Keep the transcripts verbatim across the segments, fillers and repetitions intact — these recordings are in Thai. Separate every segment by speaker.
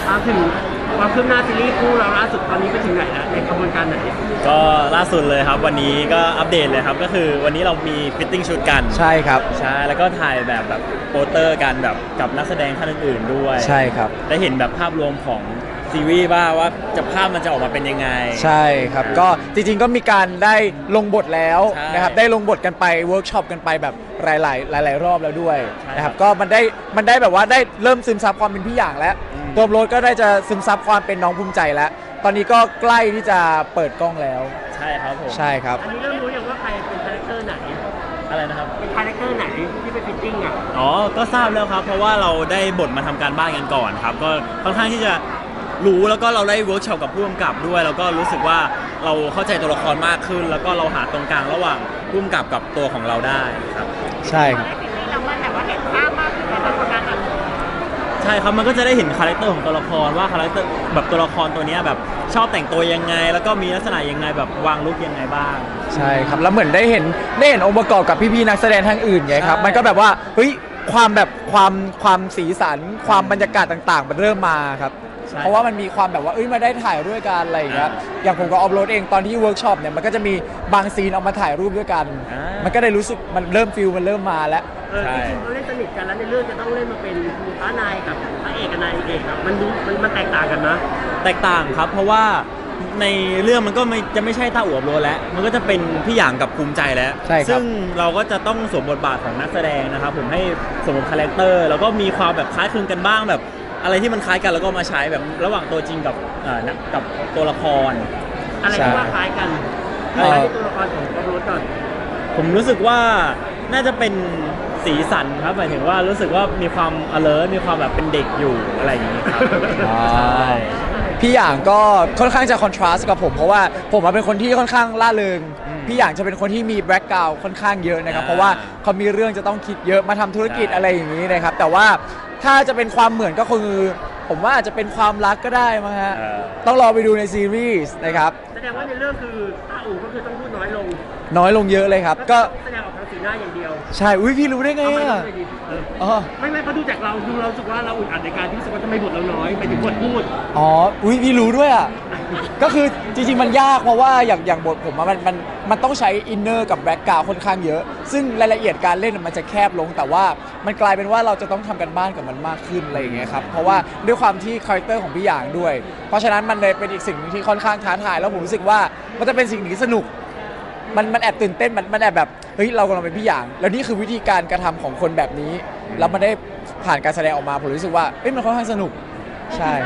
Speaker 1: มาถึงความคืบหน้าซีรีส์คู่เราล่าสุดตอนนี้ไปถึงไหนแล้วในกระบวนการไหน
Speaker 2: ก็ล่าสุดเลยครับวันนี้ก็อัปเดตเลยครับก็คือวันนี้เรามีฟิตติ้งชุดกัน
Speaker 3: ใช่ครับ
Speaker 2: ใช่แล้วก็ถ่ายแบบแบบโปสเตอร์กันแบบกับนักแสดงท่านอื่นๆด้วย
Speaker 3: ใช่ครับ
Speaker 2: ได้เห็นแบบภาพรวมของซีรีส์ว่าว่าจะภาพมันจะออกมาเป็นยังไง
Speaker 3: ใช่ครับก็จริงๆก็มีการได้ลงบทแล้วนะครับได้ลงบทกันไปเวิร์กช็อปกันไปแบบหลายๆหลายๆรอบแล้วด้วยนะครับก็มันได้มันได้แบบว่าได้เริ่มซึมซับความเป็นพี่อย่างแล้วตัวโรสก็ได้จะซึมซับความเป็นน้องภูมิใจแล้วตอนนี้ก็ใกล้ที่จะเปิดกล้องแล้ว
Speaker 2: ใช่ครับผม
Speaker 3: ใช่ครับ
Speaker 1: อันนี้เริ่มรู้อย่างว่าใครเป็นคาแรคเตอร์ไหน
Speaker 2: อะไรนะครับ
Speaker 1: เป็นคาแรคเตอร์ไหนที่ไปฟิตติ้งอ่ะ
Speaker 2: อ๋อก็ทราบแล้วครับเพราะว่าเราได้บทมาทำการบ้านกันก่อนครับก็ค่อนข้างที่จะรู้แล้วก็เราได้เวิร์กช็อปกับผู้กำกับด้วยแล้วก็รู้สึกว่าเราเข้าใจตัวละครมากขึ้นแล้วก็เราหาตรงกลางระหว่างผู้กำกับกับตัวของเราได้ครับ
Speaker 3: ใช่ครับ
Speaker 1: เรามันแบบว่าเห็นภาพมากขึ้นในตัวละครนั้น
Speaker 2: ใช่ครับมันก็จะได้เห็นคาแรคเตอร์ของตัวละครว่าคาแรคเตอร์แบบตัวละครตัวนี้แบบชอบแต่งตัวยังไงแล้วก็มีลักษณะยังไงแบบวางลุคยังไงบ้าง
Speaker 3: ใช่ครับแล้วเหมือนได้เห็นได้เห็นองค์ประกอบกับพี่ๆนักแสดงทั้งอื่นไงครับมันก็แบบว่าเฮ้ยความแบบความความสีสันความบรรยากาศต่างๆมันเริ่มมาครับเพราะว่ามันมีความแบบว่าเอ้ยมาได้ถ่ายด้วยกันอะไรอย่างเงี้ยอย่างผมกับออฟโรดเองตอนที่เวิร์กช็อปเนี่ยมันก็จะมีบางซีนเอามาถ่ายรูปด้วยกันมันก็ได้รู้สึกมันเริ่มฟิลมันเริ่มมาแล้ว
Speaker 1: เออจริงๆเขาเล่นสนิทกันแล้วในเรื่องจะต้องเล่นมาเป็นพระนายกับพระเอกกับนายเอกอะมันรู้มันมันแตกต่างกันนะ
Speaker 2: แตกต่างครับเพราะว่าในเรื่องมันก็ไม่จะไม่ใช่ต้าอู่อบโรแล้วมันก็จะเป็นพี่หยางกับภูมิใจแล้วซึ่งเราก็จะต้องสวมบทบาทของนักแสดงนะครับผมให้สวมบทคาแรคเตอร์แล้วก็มีความแบบคล้ายคลึงกันบ้างแบบอะไรที่มันคล้ายกันแล้วก็มาใช้แบบระหว่างตัวจริงกับอ่ากับตัวละคร
Speaker 1: อะไรที่ว่าคล้ายกันคล้ายที่ตัวละครของออฟโรดก่อน
Speaker 2: ผมรู้สึกว่าน่าจะเป็นสีสันครับหมายถึงว่ารู้สึกว่ามีความ alert มีความแบบเป็นเด็กอยู่อะไรอย่างนี้ครับใช่
Speaker 3: พี่อย่างก็ค่อนข้างจะคอนทราสต์กับผมเพราะว่าผมเป็นคนที่ค่อนข้างล่าเริงพี่อย่างจะเป็นคนที่มีแบ็กกราวด์ค่อนข้างเยอะนะครับเพราะว่าเขามีเรื่องจะต้องคิดเยอะมาทำธุรกิจอะไรอย่างนี้นะครับแต่ว่าถ้าจะเป็นความเหมือนก็คือผมว่าอาจจะเป็นความรักก็ได้มั้งฮะต้องรอไปดูในซีรีส์นะครับ
Speaker 1: แสดงว่าในเรื่องคือต้าอู่ก็คือต้องพูดน้อยลง
Speaker 3: น้อยลงเยอะเลยครับก็
Speaker 1: แสดงออกทางสีหน้าอย่างเดียว
Speaker 3: ใช่อุ้ยพี่รู้ได้ไงอ่ะ
Speaker 1: ไม่ไม่เขาดูจากเราดูเราสึกว่าเราอึดอัดในการที่รู้สึกว่าทำไมบทเราน้อยไปถึงบทพูด
Speaker 3: อ๋ออุ้ยพี่รู้ด้วยอ่ะก็คือจริงๆมันยากเพราะว่าอย่างอย่างบทผมมันมันมันต้องใช้อินเนอร์กับแบ็กกราวด์ค่อนข้างเยอะซึ่งรายละเอียดการเล่นมันจะแคบลงแต่ว่ามันกลายเป็นว่าเราจะต้องทำกันบ้านกับมันมากขึ้นอะไรอย่างเงี้ยครับเพราะว่าด้วยความที่คาแรคเตอร์ของพี่หยางด้วยเพราะฉะนั้นมันเลยเป็นอีกสิ่งนึงที่ค่อนข้างท้าทายแล้วผมรู้สึกว่ามันจะเป็นสิ่งที่สนุกมันมันแอบตื่นเต้นมันมันแอบแบบเฮ้ยเรากำลังเป็นพี่หยางแล้วนี่คือวิธีการกระทำของคนแบบนี้แล้วมันได้ผ่านการแสดงออกมาผมรู้สึกว่าเอ้ยมันค่อนข้างสนุกใช่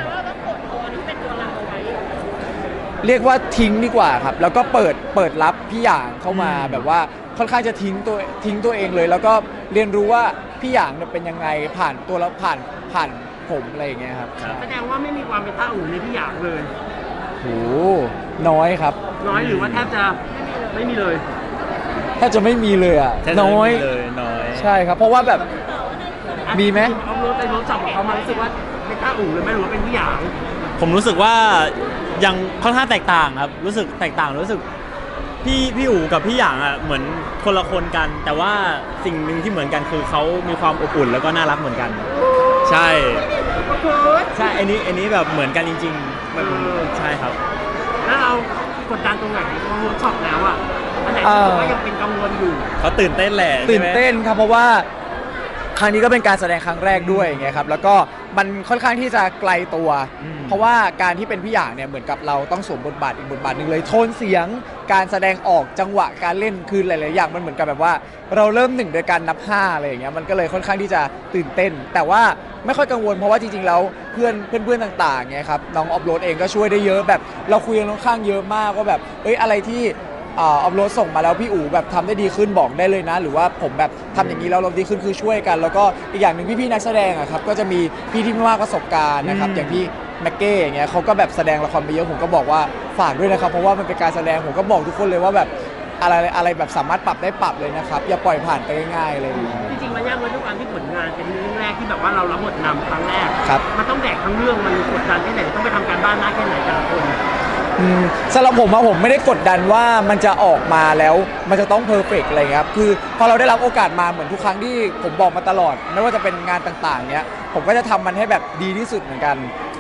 Speaker 3: เรียกว่าทิ้งดีกว่าครับแล้วก็เปิดเปิดรับพี่หยางเข้ามาแบบว่าค่อนข้างจะทิ้งตัวทิ้งตัวเองเลยแล้วก็เรียนรู้ว่าพี่หยางเป็นยังไงผ่านตัวแล้วผ่านผ่านผมอะไรอย่างเงี้ยครับ
Speaker 1: แสดงว่าไม่มีความเป็นต้าอู่ในพี่หยางเลย
Speaker 3: โหน้อยครับ
Speaker 1: น้อยหรือว่าแทบจะไม่มีเลย
Speaker 3: แทบจะไม่มีเลยอ่ะน้อย
Speaker 2: เลยน้อย
Speaker 3: ใช่ครับเพราะว่าแบบมีไหม
Speaker 1: เอารถไปรถจับของเขามารู้สึกว่าเป็นต้าอู่เลยไม่รู้ว่าเป็นพี่หยาง
Speaker 2: ผมรู้สึกว่ายังค่อนข้างแตกต่างครับรู้สึกแตกต่างรู้สึกพี่พี่อู๋กับพี่หยางอ่ะเหมือนคนละคนกันแต่ว่าสิ่งหนึ่งที่เหมือนกันคือเขามีความอบอุ่นแล้วก็น่ารักเหมือนกันใช่ใช่อันนี้อันนี้แบบเหมือนกันจริงๆแบบใช่ครับ
Speaker 1: แล้วเรากดดันตรงไหนพอเวิร์กช็อปแล้วอ่ะอันไหนที่ว่ายังเป็นกังวลอยู่
Speaker 2: เขาตื่นเต้นแหละ
Speaker 3: ตื่นเต้นครับเพราะว่าครั้งนี้ก็เป็นการแสดงครั้งแรกด้วยไงครับแล้วก็มันค่อนข้างที่จะไกลตัวเพราะว่าการที่เป็นพี่หยางเนี่ยเหมือนกับเราต้องสวมบทบาทอีกบทบาทหนึ่งเลยโทนเสียงการแสดงออกจังหวะการเล่นคือหลายๆอย่างมันเหมือนกับแบบว่าเราเริ่มหนึ่งโดยการนับห้าอะไรอย่างเงี้ยมันก็เลยค่อนข้างที่จะตื่นเต้นแต่ว่าไม่ค่อยกังวลเพราะว่าจริงๆแล้วเพื่อนเพื่อนๆต่างๆไงครับน้องออฟโรดเองก็ช่วยได้เยอะแบบเราคุยกันค่อนข้างเยอะมากว่าแบบเอ้ยอะไรที่ออฟโรดส่งมาแล้วพี่อู๋แบบทำได้ดีขึ้นบอกได้เลยนะหรือว่าผมแบบทำอย่างนี้แล้วเราดีขึ้นคือช่วยกันแล้วก็อีกอย่างหนึ่งพี่ๆนักแสดงอะครับก็จะมีพี่ที่มากประสบการณ์นะครับอย่างพี่แม็กเก้อย่างเงี้ยเขาก็แบบแสดงละครไปเยอะผมก็บอกว่าฝากด้วยนะครับเพราะว่ามันเป็นการแสดงผมก็บอกทุกคนเลยว่าแบบอะไรอะไรแบบสามารถปรับได้ปรับเลยนะครับอย่าปล่อยผ่านไปง่ายๆเลย
Speaker 1: จริงๆมันยากเลยด้วยความที่ผลงานเป็นเรื่องแรกที่แบบว่าเรารับบทนำครั้งแรก
Speaker 3: ครับ
Speaker 1: มันต้องแบกทั้งเรื่องมันกดดันแค่ไหนต้องไปทำการบ้านมากแค่ไหนแต่ละคน
Speaker 3: สำหรับผมอะผมไม่ได้กดดันว่ามันจะออกมาแล้วมันจะต้องเพอร์เฟกต์อะไรครับคือพอเราได้รับโอกาสมาเหมือนทุกครั้งที่ผมบอกมาตลอดไม่ว่าจะเป็นงานต่างๆเนี้ยผมก็จะทำมันให้แบบดีที่สุดเหมือนกัน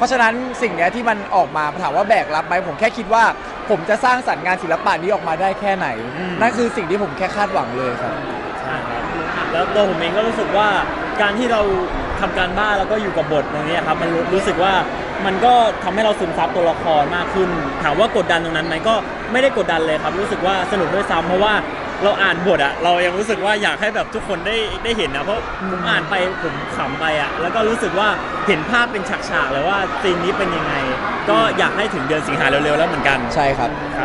Speaker 3: ราะฉะนั้นสิ่งเนี้ยที่มันออกมาถามว่าแบกรับไหมผมแค่คิดว่า ผมจะสร้างสรรค์งานศิลปะนี้ออกมาได้แค่ไหน
Speaker 2: อืม
Speaker 3: นั่นคือสิ่งที่ผมแค่คาดหวังเลยครับ
Speaker 2: ใช่ครับแล้วตัวผมเองก็รู้สึกว่าการที่เราทำการบ้านแล้วก็อยู่กับบทตรงนี้ครับมันรู้รู้สึกว่ามันก็ทำให้เราซึมซับตัวละครมากขึ้น ถามว่ากดดันตรงนั้นไหมก็ไม่ได้กดดันเลยครับ รู้สึกว่าสนุกด้วยซ้ำเพราะว่าเราอ่านบทอะเรายังรู้สึกว่าอยากให้แบบทุกคนได้ได้เห็นนะเพราะผมอ่านไปผมขำไปอะแล้วก็รู้สึกว่าเห็นภาพเป็นฉากๆเลยว่าซีนนี้เป็นยังไง ก็อยากให้ถึงเดือนสิงหาเร็วๆแล้วเหมือนกัน
Speaker 3: ใช่ครับ
Speaker 2: ครับ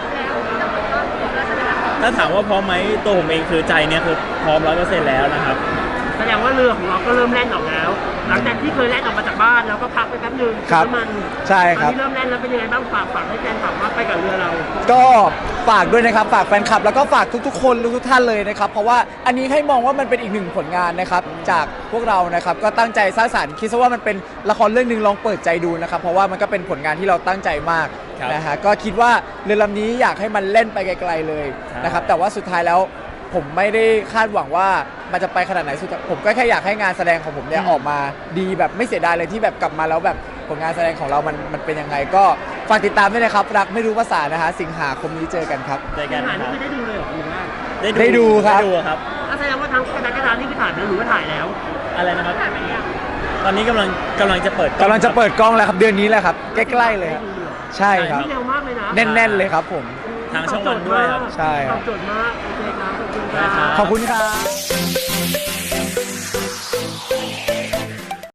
Speaker 2: ถ้าถามว่าพร้อมไหมตัวผมเองคือใจเนี่ยคือพร้อมร้อยเปอร์เซ็นต์แล้วนะครับ
Speaker 1: แสดงว่าเรือของเราก็เริ่มแล่นออกแล้ว หลังจากที่เคยแล่นออกมาจากบ้านแล้วก็พักไปแป๊บนึง
Speaker 3: ครับ
Speaker 1: น้ำมัน
Speaker 3: ใช่ครับ
Speaker 1: ตอนนี้เริ่มแล่นแล้วเป็นยังไงบ้างฝากฝากให้แฟนฝากว่าไปกับเรือเรา
Speaker 3: ก็ฝากด้วยนะครับฝากแฟนคลับแล้วก็ฝากทุกๆ คนทุกๆท่านเลยนะครับเพราะว่าอันนี้ให้มองว่ามันเป็นอีกหนึ่งผลงานนะครับจากพวกเรานะครับก็ตั้งใจสร้างสรรค์คิดซะว่ามันเป็นละครเรื่องหนึ่งลองเปิดใจดูนะครับเพราะว่ามันก็เป็นผลงานที่เราตั้งใจมาก
Speaker 2: ครับ
Speaker 3: นะฮะก็คิดว่าเรือลำนี้อยากให้มันเล่นไปไกลๆเลย
Speaker 2: ใช่
Speaker 3: นะครับแต่ว่าสุดท้ายแล้วผมไม่ได้คาดหวังว่ามันจะไปขนาดไหนสุดผมก็แค่อยากให้งานแสดงของผมเนี่ยออกมาดีแบบไม่เสียดายเลยที่แบบกลับมาแล้วแบบผลงานแสดงของเรามันมันเป็นยังไงก็ฝากติดตามด้วยนะครับรักไม่รู้ภาษานะฮะสิงหาคมนี้เจอกันครับ
Speaker 2: เจอ
Speaker 1: สิ
Speaker 2: กัน
Speaker 1: งหา
Speaker 2: นะค
Speaker 1: นี่
Speaker 2: รับ
Speaker 1: คือได้ดูเลยเหรอหรือว่า
Speaker 3: ได้ดูครับ
Speaker 2: ได้ดูครับ
Speaker 1: อ่ะแสดงว่าทั้งกระดานกระดานนี่คือถ่ายไปแล้วหรือว่าถ่ายแล้ว
Speaker 2: อะไรนะครับตอนนี้กำลังกำลังจะเปิด
Speaker 3: กำลังจะเปิดกล้องแล้วครับเดือนนี้แหละครับใกล้ๆเลยครับ
Speaker 1: ได้ดูเหรอ
Speaker 3: ใช่ครับ
Speaker 1: นี่เร็วมากเลยนะ
Speaker 3: แน่นๆเลยครับผม
Speaker 2: ทางช่องวันด้วยครับ
Speaker 3: ใช่ครับ
Speaker 1: ตอบโจทย์มากโอเคครับขอบคุณค
Speaker 2: ได้ครั
Speaker 1: รับ
Speaker 3: ขอบคุณครับ